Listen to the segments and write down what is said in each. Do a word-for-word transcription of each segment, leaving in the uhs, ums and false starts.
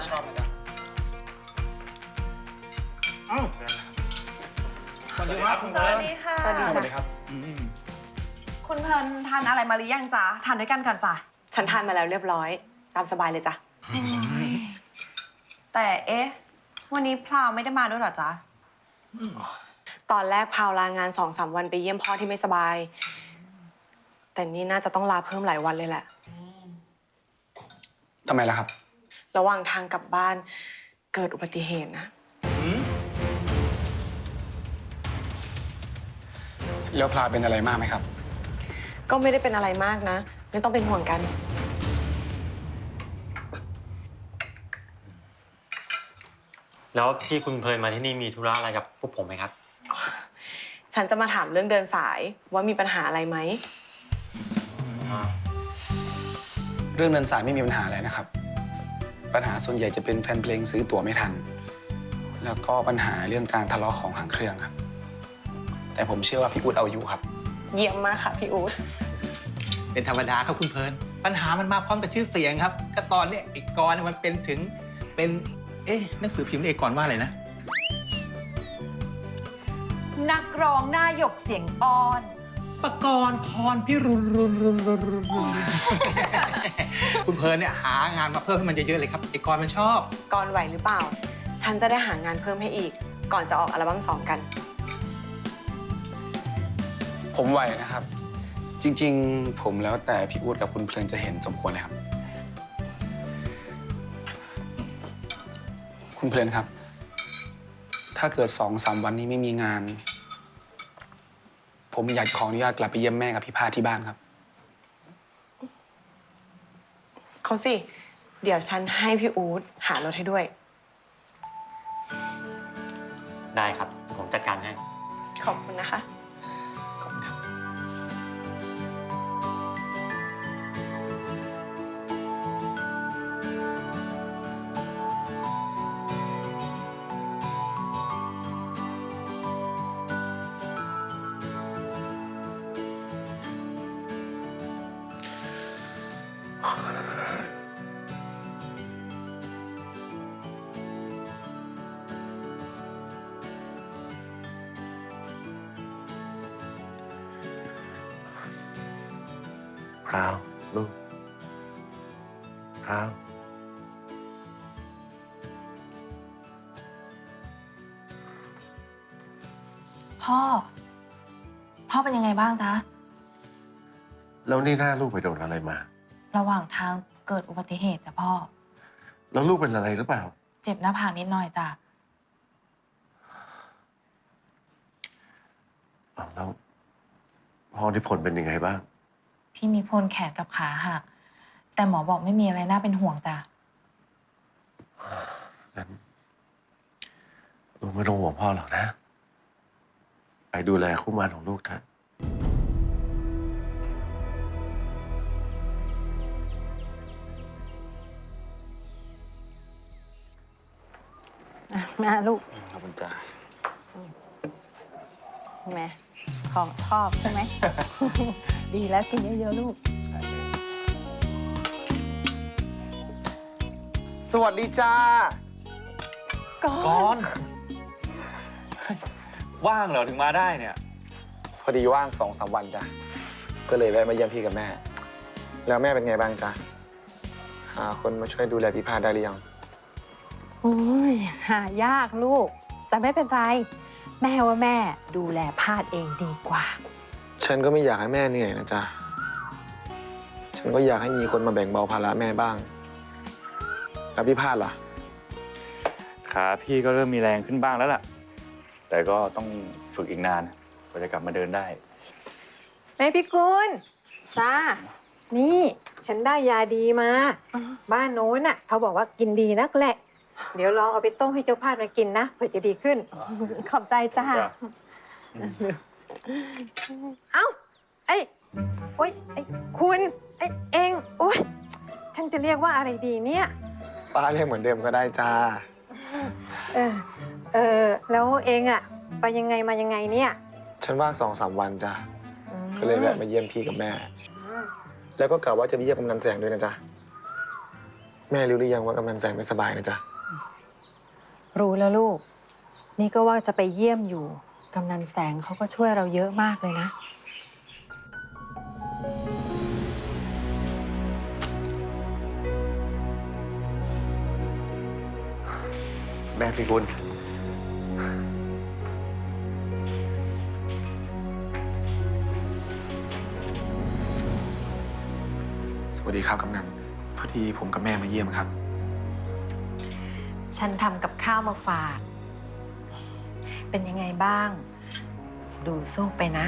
ชอบนะจ๊ะเอ้าสวัสดีครับคุณสเพิร์วันสดีค่ะสวัสดีครับคุณเพลินทานอะไรมาหรือยังจ๊ะทานด้วยกันก่อนจ้ะฉันทานมาแล้วเรียบร้อยตามสบายเลยจ้ะแต่เอ๊ะวันนี้พลาวไม่ได้มาด้วยเหรอจ๊ะตอนแรกพาวลางานสองสามวันไปเยี่ยมพ่อที่ไม่สบาย แต่นี่น่าจะต้องลาเพิ่มหลายวันเลยแหละทำไมล่ะครับระหว่างทางกลับบ้านเกิดอุบัติเหตุนะแล้วพลาเป็นอะไรมากไหมครับก็ไม่ได้เป็นอะไรมากนะ ไม่ต้องเป็นห่วงกันแล้วที่คุณเพลินมาที่นี่มีธุระอะไรกับพวกผมไหมครับฉันจะมาถามเรื่องเดินสายว่ามีปัญหาอะไรไหมเรื่องเดินสายไม่มีปัญหาอะไรนะครับ ปัญหาส่วนใหญ่จะเป็นแฟนเพลงซื้อตั๋วไม่ทัน แล้วก็ปัญหาเรื่องการทะเลาะของหางเครื่องครับ แต่ผมเชื่อว่าพี่อู๊ดเอาอยู่ครับเยี่ยมมากค่ะพี่อู๊ดเป็นธรรมดาครับคุณเพลินปัญหามันมาพร้อมกับชื่อเสียงครับก็ตอนเนี้ยไอ้กรเนี่ยมันเป็นถึงเป็นเอ๊ะหนังสือพิมพ์เอกรว่าอะไรนะนักร้องหน้าหยกเสียงอ่อนปกรณ์พรพิรุณรุนรุนรุนรุนรุนคุณเพลินเนี่ยหางานมาเพิ่มให้มันเยอะๆเลยครับไอ้กรมันชอบก่อนไหวหรือเปล่า ฉันจะได้หางานเพิ่มให้อีก ก่อนจะออกอัลบั้มสองกันผมไหวนะครับ จริงๆ ผมแล้วแต่พี่อู๊ดกับคุณเพลินจะเห็นสมควรเลยครับ คุณเพลินครับ ถ้าเกิดสองสามวันนี้ไม่มีงาน ผมอยากขออนุญาตกลับไปเยี่ยมแม่กับพี่พาที่บ้านครับเอาสิ เดี๋ยวฉันให้พี่อู๊ดหารถให้ด้วยได้ครับ ผมจัดการให้ขอบคุณนะคะขอบคุณครับพราวลูกพราวพ่อ พ่อเป็นยังไงบ้างจ๊ะแล้วนี่หน้าลูกไปโดนอะไรมาระหว่างทางเกิดอุบัติเหตุจ้ะพ่อแล้วลูกเป็นอะไรหรือเปล่าเจ็บหน้าผากนิดหน่อยจ้ะอ้าวแล้วพ่อนิพนธ์เป็นยังไงบ้างพี่มีพลแขนกับขาหัก แต่หมอบอกไม่มีอะไรน่าเป็นห่วงจ้ะงั้นลูกไม่ต้องห่วงพ่อหรอกนะ ไปดูแลคู่หมั่นของลูกเถอะมาลูกขอบคุณจ้าแม่ของชอบใช่ไหม ดีแล้วกินเยอะๆลูกสวัสดีจ้าก่อนก่อน ว่างเหรอถึงมาได้เนี่ยพอดีว่างสองสามวันจ้ะ ก็เลยแวะมาเยี่ยมพี่กับแม่ แล้วแม่เป็นไงบ้างจ๊ะ หาคนมาช่วยดูแลพี่พาได้หรือยังโอ้ยหายากลูก แต่ไม่เป็นไร แม่ว่าแม่ดูแลพาดเองดีกว่าฉันก็ไม่อยากให้แม่เหนื่อยนะจ๊ะ ฉันก็อยากให้มีคนมาแบ่งเบาภาระแม่บ้าง แล้วพี่พาดล่ะขาพี่ก็เริ่มมีแรงขึ้นบ้างแล้วล่ะ แต่ก็ต้องฝึกอีกนานกว่าจะกลับมาเดินได้แม่พี่กุลจ้า นี่ฉันได้ยาดีมา บ้านโน้นน่ะเขาบอกว่ากินดีนักแหละ เดี๋ยวลองเอาไปต้มให้เจ้าพาดมากินนะเผื่อจะดีขึ้น ขอบใจจ้าจ้ะเอ้าไอ้โอ๊ยไอ้คุณไอ้เองโอ๊ยฉันจะเรียกว่าอะไรดีเนี่ยป้าเรียกเหมือนเดิมก็ได้จ้าเออเออแล้วเองอะไปยังไงมายังไงเนี่ยฉันว่างสองสามวันจ้ะอืมก็เลยแวะมาเยี่ยมพี่กับแม่ แล้วก็กะว่าจะไปเยี่ยมกำนันแสงด้วยนะจ๊ะแม่รู้หรือยังว่ากำนันแสงไม่สบายนะจ๊ะรู้แล้วลูก นี่ก็ว่าจะไปเยี่ยมอยู่กำนันแสงเขาก็ช่วยเราเยอะมากเลยนะแม่พี่กุลสวัสดีครับกำนัน พอดีผมกับแม่มาเยี่ยมครับฉันทำกับข้าวมาฝาก เป็นยังไงบ้าง ดูสู้ไปนะ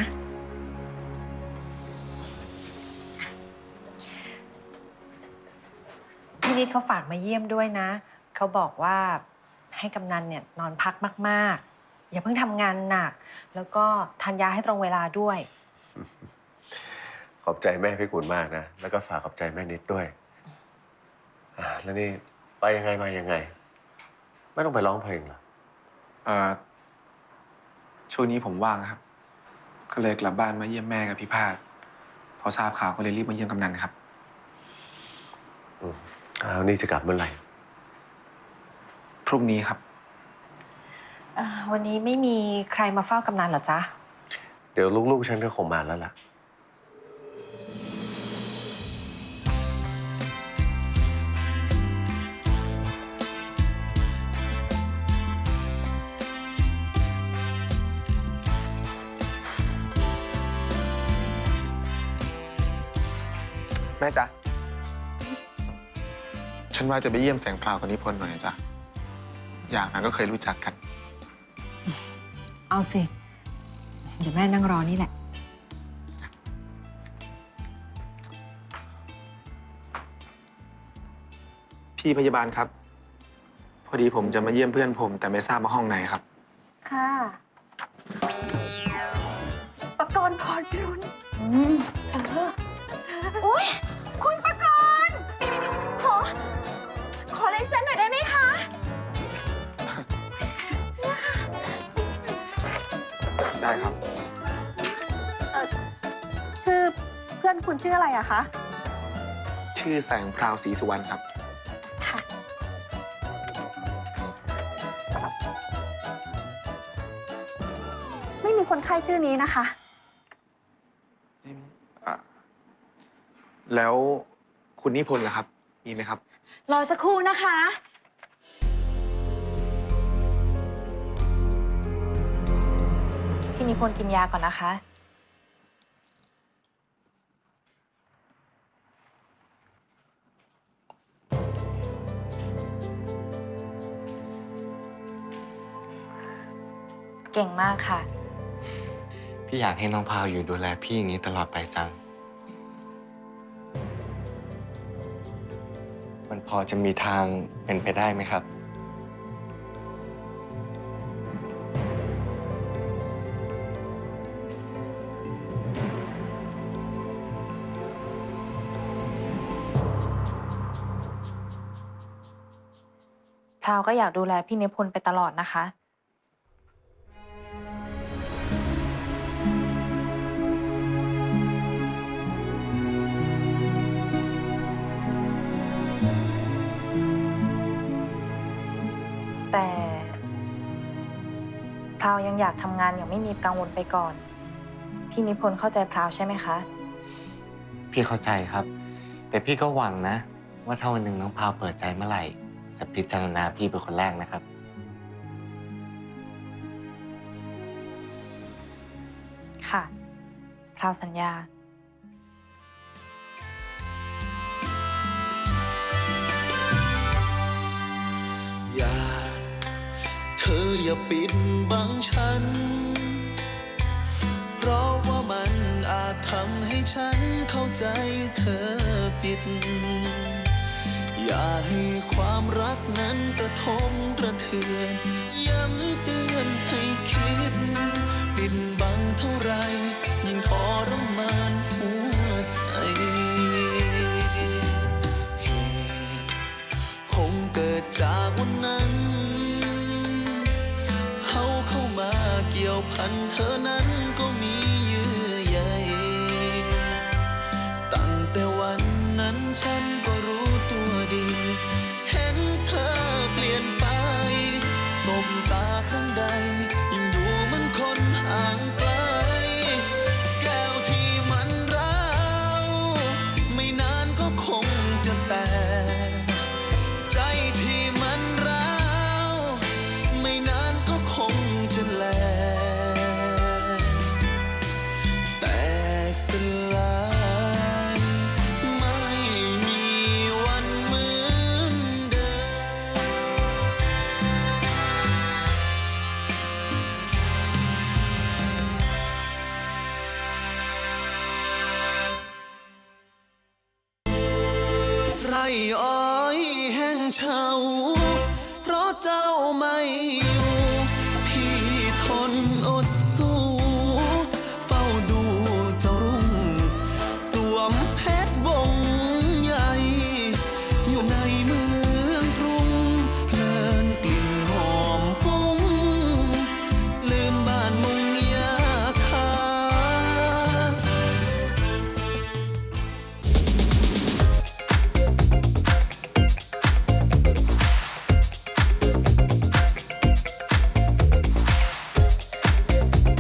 พี่นิดเขาฝากมาเยี่ยมด้วยนะ เขาบอกว่าให้กำนันเนี่ยนอนพักมากๆ อย่าเพิ่งทำงานหนัก แล้วก็ทานยาให้ตรงเวลาด้วยขอบใจแม่พี่กุลมากนะ แล้วก็ฝากขอบใจแม่นิดด้วยอ่ะแล้วนี่ไปยังไงมายังไง ไม่ต้องไปร้องเพลงเหรอเอ่อ ช่วงนี้ผมว่างครับ ก็เลยกลับบ้านมาเยี่ยมแม่กับพี่พาดพอทราบข่าวก็เลยรีบมาเยี่ยมกำนันครับอืมอ้าวนี่จะกลับเมื่อไหร่พรุ่งนี้ครับเอ่อวันนี้ไม่มีใครมาเฝ้ากำนันเหรอจ๊ะเดี๋ยวลูกๆฉันก็คงมาแล้วล่ะแม่จ๊ะ ฉันว่าจะไปเยี่ยมแสงพราวกับนิพนธ์หน่อยจ้ะ อย่างนั้นก็เคยรู้จักกันเอาสิ เดี๋ยวแม่นั่งรอนี่แหละพี่พยาบาลครับ พอดีผมจะมาเยี่ยมเพื่อนผม แต่ไม่ทราบว่าห้องไหนครับค่ะประกรณ์พรพิรุณอืมเอออุ้ยคุณประกรณ์ขอ ขอลายเซ็นหน่อยได้ไหมคะได้ครับชื่อเพื่อนคุณชื่ออะไรอะคะชื่อแสงพราวศรีสุวรรณครับค่ะ ไม่มีคนไข้ชื่อนี้นะคะอ่ะแล้วคุณนิพนธ์ล่ะครับ มีไหมครับรอสักครู่นะคะพี่นิพนธ์กินยาก่อนนะคะ เก่งมากค่ะพี่อยากให้น้องพาวอยู่ดูแลพี่อย่างนี้ตลอดไปจัง มันพอจะมีทางเป็นไปได้ไหมครับพราวก็อยากดูแลพี่นิพนธ์ไปตลอดนะคะ แต่พราวยังอยากทำงานอย่างไม่มีกังวลไปก่อน พี่นิพนธ์เข้าใจพราวใช่ไหมคะพี่เข้าใจครับ แต่พี่ก็หวังนะ ว่าถ้าวันหนึ่งน้องพาวเปิดใจเมื่อไหร่ จะพิจารณาพี่เป็นคนแรกนะครับค่ะ พราวสัญญาอย่าเธออย่าปิดบังฉัน เพราะว่ามันอาจทำให้ฉันเข้าใจเธอผิด อย่าให้ความรักนั้นกระทบกระเทือนย้ำเตือนให้คิด ปิดบังเท่าไรยิ่งทรมานหัวใจเหตุคงเกิดจากวันนั้น เขาเข้ามาเกี่ยวพันเธอนั้นก็มีเยื่อใยตั้งแต่วันนั้นฉันก็รู้ตัวดีเฉาเพราะเจ้าไม่